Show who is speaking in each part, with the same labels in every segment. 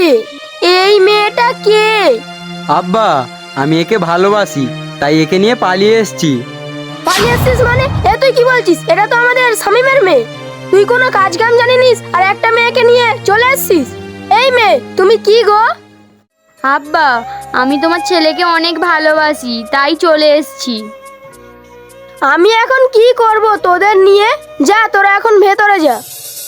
Speaker 1: কে? এই মেয়েটা কে?
Speaker 2: আব্বা, আমি একে ভালোবাসি, তাই একে নিয়ে পালিয়ে এসেছি।
Speaker 1: পালিয়ে আসছিস মানে? এ তুই কি বলছিস? এটা তো আমাদের শামীমের মেয়ে। তুই কোনো কাজ কাম জানিস আর একটা মেয়েকে নিয়ে চলে আসছিস? এই মেয়ে, তুমি কি গো?
Speaker 3: আব্বা, আমি তোমার ছেলেকে অনেক ভালোবাসি, তাই চলে এসেছি।
Speaker 1: আমি এখন কি করব তোদের নিয়ে? যা, তোরা এখন ভেতরে যা।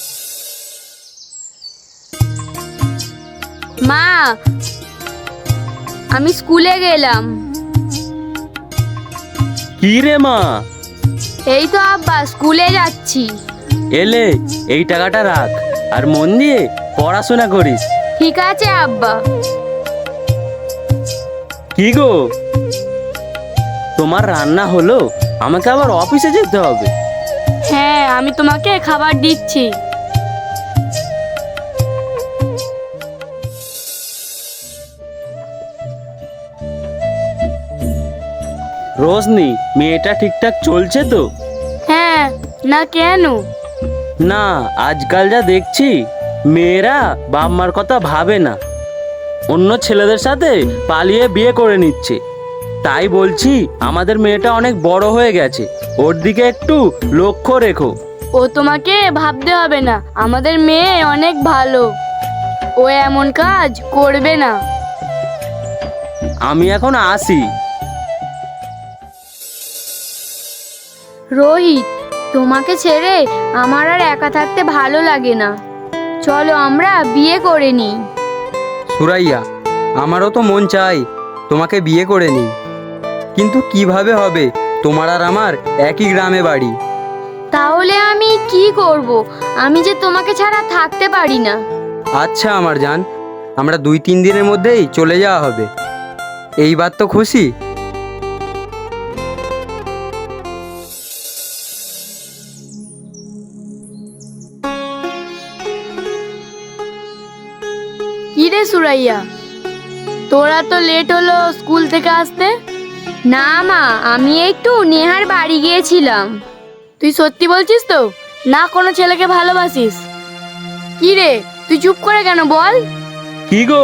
Speaker 3: মা, আমি স্কুলে গেলাম।
Speaker 4: কি রে মা?
Speaker 3: এই তো আব্বা, স্কুলে যাচ্ছি।
Speaker 4: এলে এই টাকাটা রাখ আর মন দিয়ে পড়াশোনা করিস।
Speaker 3: ঠিক আছে আব্বা।
Speaker 4: কি গো, তোমার রান্না হলো? আমাকে আবার অফিসে যেতে হবে।
Speaker 3: হ্যাঁ, আমি তোমাকে খাবার দিচ্ছি।
Speaker 4: রোশনি, মেয়েটা ঠিকঠাক চলছে তো?
Speaker 3: হ্যাঁ, না কেন?
Speaker 4: না, আজকাল যা দেখছি মেয়েরা বাপ মার কথা ভাবে না, অন্য ছেলেদের সাথে পালিয়ে বিয়ে করে নিচ্ছে। তাই বলছি, আমাদের মেয়েটা অনেক বড় হয়ে গেছে, ওর দিকে একটু লক্ষ্য রেখো।
Speaker 3: ও তোমাকে ভাবতে হবে না, আমাদের মেয়ে অনেক ভালো, ও এমন কাজ করবে না।
Speaker 4: আমি এখন আসি।
Speaker 3: রোহিত, তোমাকে ছেড়ে আমার আর একা থাকতে ভালো লাগে না, চলো আমরা বিয়ে করে নিই।
Speaker 2: সুরাইয়া, আমারও তো মন চাই তোমাকে বিয়ে করে নিই, কিন্তু কিভাবে হবে? তোমার আর আমার একই গ্রামে বাড়ি।
Speaker 3: তাহলে আমি কি করব? আমি যে তোমাকে ছাড়া থাকতে পারি না।
Speaker 2: আচ্ছা আমার জান, আমরা 2-3 দিনের মধ্যেই চলে যাওয়া হবে। এইবার তো খুশি?
Speaker 3: কি রে সুরাইয়া, তোরা তো লেট হলো স্কুল থেকে আসতে? না মা, আমি একটু নেহার বাড়ি গিয়েছিলাম। তুই সত্যি বলছিস তো? না কোনো ছেলেকে ভালোবাসিস? কি রে, তুই চুপ করে কেন বল?
Speaker 4: কি গো,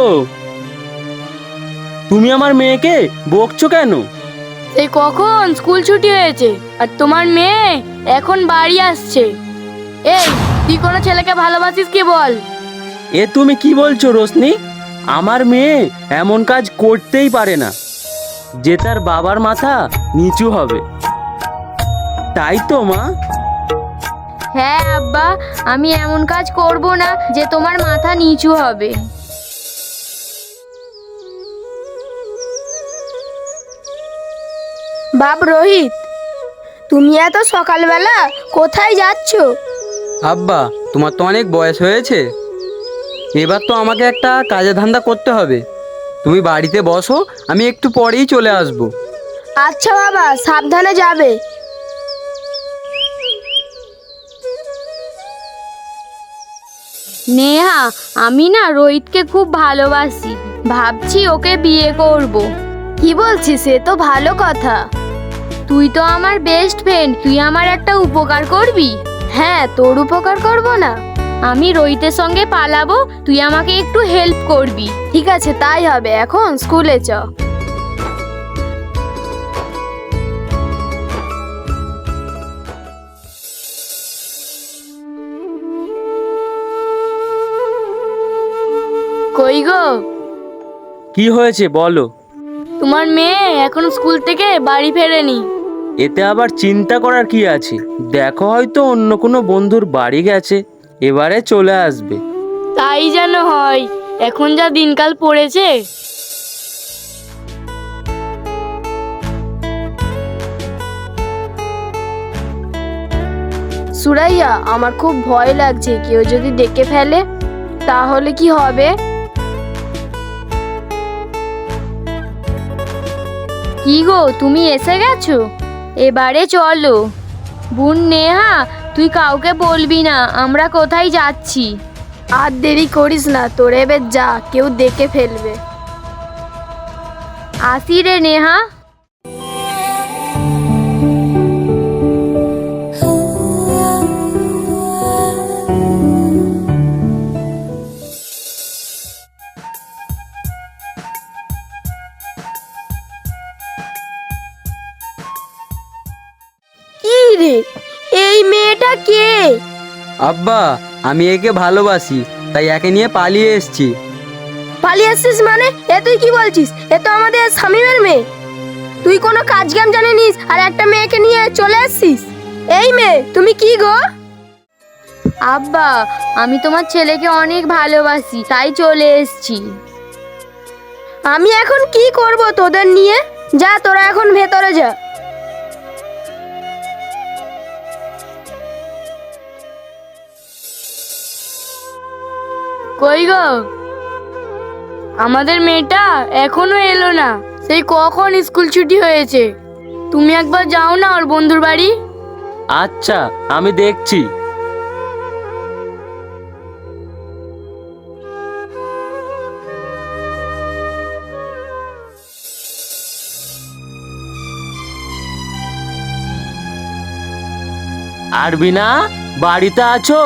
Speaker 4: তুমি আমার মেয়েকে বকছো কেন?
Speaker 3: সেই কখন স্কুল ছুটি হয়েছে আর তোমার মেয়ে এখন বাড়ি আসছে। এই, তুই কোনো ছেলেকে ভালোবাসিস কি বল?
Speaker 4: এ তুমি কি বলছো রোশনি? আমার মেয়ে এমন কাজ করতেই পারে না যে তার বাবার মাথা নিচু হবে, তাই তো মা?
Speaker 3: হ্যাঁ আব্বা, আমি এমন কাজ করব না যে তোমার মাথা নিচু হবে।
Speaker 1: বাপ রোহিত, তুমি এত সকালবেলা কোথায় যাচ্ছ?
Speaker 2: আব্বা, তোমার তো অনেক বয়স হয়েছে, এবার তো আমাকে একটা কাজে ধান্দা করতে হবে। তুমি বাড়িতে বসো, আমি একটু পরেই চলে আসব।
Speaker 1: আচ্ছা বাবা, সাবধানে যাবে।
Speaker 3: নেহা, আমি না রোহিতকে খুব ভালোবাসি, ভাবছি ওকে বিয়ে করব।
Speaker 1: কি বলছিস? সে তো ভালো কথা।
Speaker 3: তুই তো আমার বেস্ট ফ্রেন্ড, তুই আমার একটা উপকার করবি?
Speaker 1: হ্যাঁ, তোর উপকার করব না?
Speaker 3: আমি রোহিতের সঙ্গে পালাবো, তুই আমাকে একটু হেল্প করবি।
Speaker 1: ঠিক আছে, তাই হবে। এখন স্কুলে চ।
Speaker 3: কই গো,
Speaker 4: কি হয়েছে বলো?
Speaker 3: তোমার মেয়ে এখন স্কুল থেকে বাড়ি ফেরেনি।
Speaker 4: এতে আবার চিন্তা করার কি আছে? দেখো, হয়তো অন্য কোনো বন্ধুর বাড়ি গেছে, এবারে চলে আসবে।
Speaker 3: তাই যেন হয়, এখন যা দিনকাল পড়েছে।
Speaker 1: সুরাইয়া, আমার খুব ভয় লাগছে, কেউ যদি দেখে ফেলে তাহলে কি হবে?
Speaker 3: কি গো, তুমি এসে গেছো? এবারে চলো। বোন নেহা, তুই কাউকে বলবি না আমরা কোথায় যাচ্ছি।
Speaker 1: আর দেরি করিস না, তোর এবার যা, কেউ দেখে ফেলবে।
Speaker 3: আসি রে নেহা।
Speaker 1: রে, এই মেয়েটা কে?
Speaker 2: আব্বা, আমি একে ভালোবাসি, তাই একে নিয়ে পালিয়ে এসেছি।
Speaker 1: পালিয়ে আসছিস মানে? এ তুই কি বলছিস? এ তো আমাদের শামিমের মেয়ে। তুই কোনো কাজ কাম জানিস আর একটা মেয়েকে নিয়ে চলে আসছিস? এই মেয়ে, তুমি কি গো?
Speaker 3: আব্বা, আমি তোমার ছেলেকে অনেক ভালোবাসি, তাই চলে এসেছি।
Speaker 1: আমি এখন কি করব তোদের নিয়ে? যা, তোরা এখন ভেতরে যা।
Speaker 3: কই গো, আমাদের মেয়েটা এখনো এলো না। সেই কখন স্কুল ছুটি হয়েছে। তুমি একবার যাও না ওর বন্ধুর বাড়ি।
Speaker 4: আচ্ছা, আমি দেখছি। আরবিনা, বাড়িতে আছো?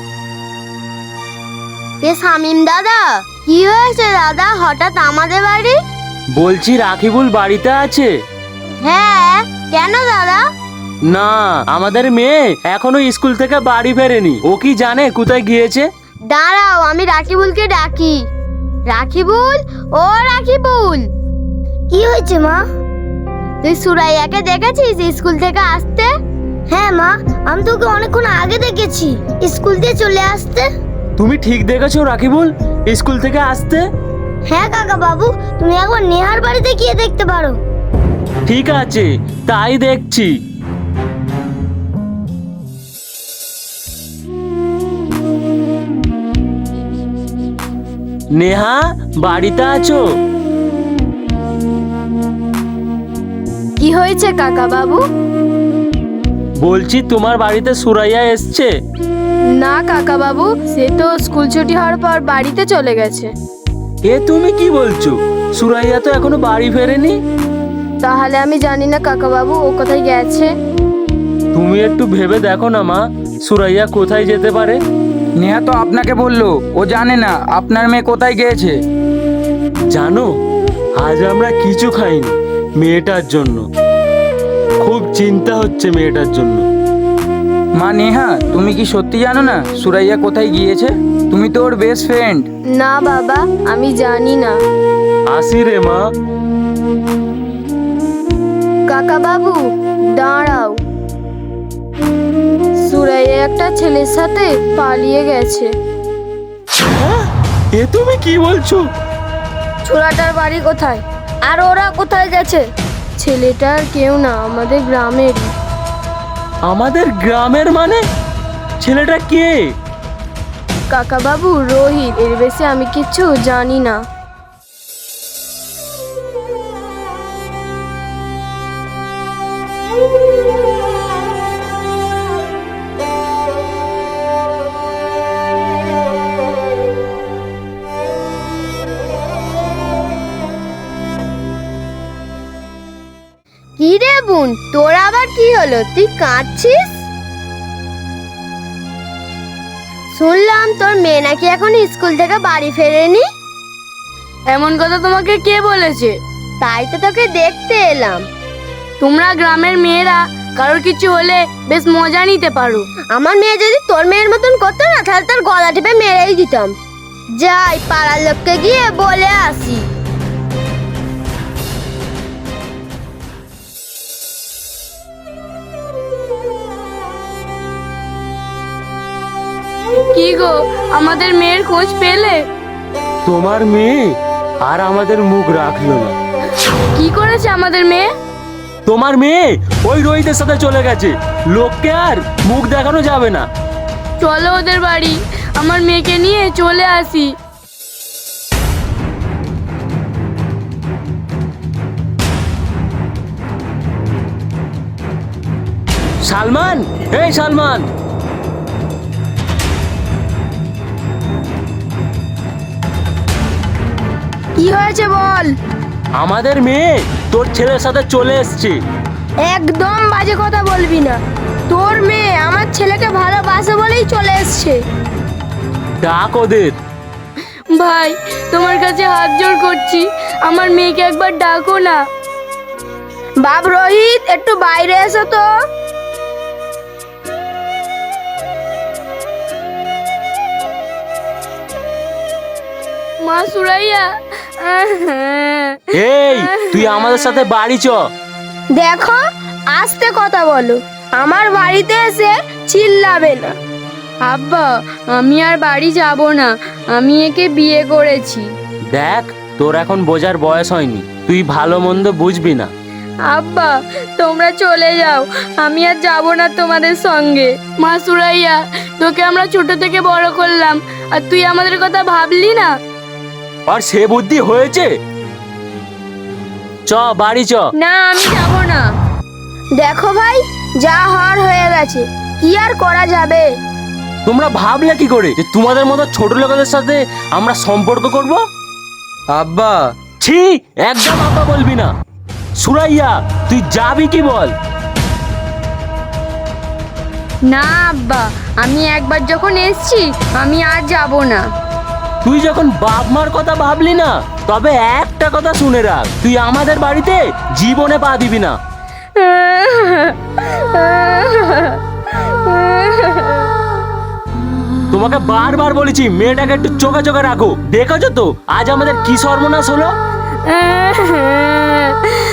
Speaker 3: এ শামিম দাদা, কি হয়েছে দাদা হঠাৎ আমাদের বাড়ি?
Speaker 4: বলছি রাকিবুল বাড়িতে আছে?
Speaker 3: হ্যাঁ, কেন দাদা?
Speaker 4: না, আমাদের মেয়ে এখনো স্কুল থেকে বাড়ি ফেরেনি। ও কি জানে কোথায় গিয়েছে?
Speaker 3: দাঁড়াও, আমি রাকিবুলকে ডাকি। রাকিবুল, ও রাকিবুল। কি হয়েছে মা? তুই সুরাইয়াকে দেখেছিস স্কুল থেকে আসতে? হ্যাঁ মা, আমি তোকে অনেকক্ষণ আগে দেখেছি স্কুল দিয়ে চলে আসতে।
Speaker 4: তুমি ঠিক দেখেছো রাকিবুল স্কুল থেকে আসতে?
Speaker 3: হ্যাঁ কাকা বাবু, তুমি একবার নেহার বাড়িতে গিয়ে দেখতে পারো।
Speaker 4: ঠিক আছে, তাই দেখছি। নেহা, বাড়িতে আছো?
Speaker 1: কি হয়েছে কাকা বাবু?
Speaker 4: বলছি তোমার বাড়িতে সুরাইয়া এসছে?
Speaker 1: না কাকা বাবু, সে তো স্কুল ছুটি হওয়ার পর বাড়িতে চলে গেছে।
Speaker 4: এ তুমি কি বলছো? সুরাইয়া তো এখনো বাড়ি ফেরেনি।
Speaker 1: তাহলে আমি জানি না কাকা বাবু ও কোথায় গেছে।
Speaker 4: তুমি একটু ভেবে দেখো না মা, সুরাইয়া কোথায় যেতে পারে?
Speaker 2: নেহা তো আপনাকে বললো ও জানে না আপনার মেয়ে কোথায় গিয়েছে।
Speaker 4: জানো, আজ আমরা কিছু খাইনি মেয়েটার জন্য। খুব চিন্তা হচ্ছে মেয়েটার জন্য।
Speaker 2: মা নেহা, তুমি কি সত্যি জানো না সুরাইয়া কোথায় গিয়েছে? তুমি তো ওর বেস্ট ফ্রেন্ড।
Speaker 1: না বাবা, আমি জানি না।
Speaker 4: আসি রে মা।
Speaker 1: কাকা বাবু দাঁড়াও, সুরাইয়া একটা ছেলের সাথে পালিয়ে গেছে।
Speaker 4: এ তুমি কি বলছো?
Speaker 1: ছোড়াটার বাড়ি কোথায় আর ওরা কোথায় গেছে? ছেলেটার কেউ না, আমাদের গ্রামেরই।
Speaker 4: আমাদের গ্রামের মানে? ছেলেটা কে?
Speaker 1: কাকা বাবু, রোহিত। এর বেশি আমি কিচ্ছু জানি না।
Speaker 3: কি রে বোন, তোর আবার কি হলো? তুই কাঁদছিস? শুনলাম তোর মেয়ে নাকি এখন স্কুল থেকে বাড়ি ফেরেনি।
Speaker 1: এমন কথা তোমাকে কে বলেছে?
Speaker 3: তাই তো তোকে দেখতে এলাম।
Speaker 1: তোমরা গ্রামের মেয়েরা কারোর কিছু হলে বেশ মজা নিতে পারো।
Speaker 3: আমার মেয়ে যদি তোর মেয়ের মতন করতো না, তাহলে তোর গলা টিপে মেরেই দিতাম। যাই, পাড়ার লোককে গিয়ে বলে আসি।
Speaker 1: কি গো, আমাদের মেয়ের খোঁজ পেলে?
Speaker 4: তোমার মেয়ে আর আমাদের মুখ রাখলো না।
Speaker 1: কি করেছে আমাদের মেয়ে?
Speaker 4: তোমার মেয়ে ওই রোহিতের সাথে চলে গেছে। লোককে আর মুখ দেখানো যাবে না।
Speaker 1: চলো ওদের বাড়ি, আমার মেয়েকে নিয়ে চলে আসি।
Speaker 4: সালমান, এই সালমান,
Speaker 1: কি হয়েছে বল?
Speaker 4: আমাদের মেয়ে তোর ছেলের সাথে চলে এসছে।
Speaker 1: একদম বাজে কথা বলবি না। তোর মেয়ে আমার ছেলেকে ভালোবাসে বলেই চলে এসছে।
Speaker 4: ডাক ওদের।
Speaker 1: ভাই, তোমার কাছে হাত জোড় করছি, আমার মেয়েকে একবার ডাকো না। বাপ রোহিত, একটু বাইরে এসো তো।
Speaker 3: মা সুরাইয়া।
Speaker 4: এই তুই আমাদের সাথে বাড়ি চ।
Speaker 1: দেখো, আস্তে কথা বলো, আমার বাড়িতে এসে চিল্লাবে না।
Speaker 3: আব্বা, আমি আর বাড়ি যাব না, আমি একে বিয়ে করেছি।
Speaker 4: দেখ, তোর এখন বোঝার বয়স হয়নি, তুই ভালো মন্দ বুঝবি না।
Speaker 3: আব্বা, তোমরা চলে যাও, আমি আর যাব না তোমাদের সঙ্গে। মা সুরাইয়া, তোকে আমরা ছোট থেকে বড় করলাম, আর তুই আমাদের কথা ভাবলি না?
Speaker 4: আর সে বুদ্ধি হয়েছে? চ বাড়ি চ।
Speaker 3: না, আমি যাব না।
Speaker 1: দেখো ভাই, যা হওয়ার হয়ে গেছে, কি আর করা যাবে।
Speaker 4: তোমরা ভাবলে কি করে যে তোমাদের মতো ছোট লোকেদের সাথে আমরা সম্পর্ক করব?
Speaker 2: আব্বা,
Speaker 4: ছি, একদম আব্বা বলবি না। সুরাইয়া, তুই যাবি কি বল?
Speaker 3: না আব্বা, আমি একবার যখন এসছি আমি আর যাব না।
Speaker 4: তুই যখন বাপ মার কথা ভাবলি না, তবে একটা কথা শুনে রাখ, তুই আমাদের বাড়িতে জীবনে পা দিবি না। তোমাকে বারবার বলেছি মেয়েটাকে একটু চোখে চোখে রাখো। দেখেছো তো আজ আমাদের কি সর্বনাশ হলো।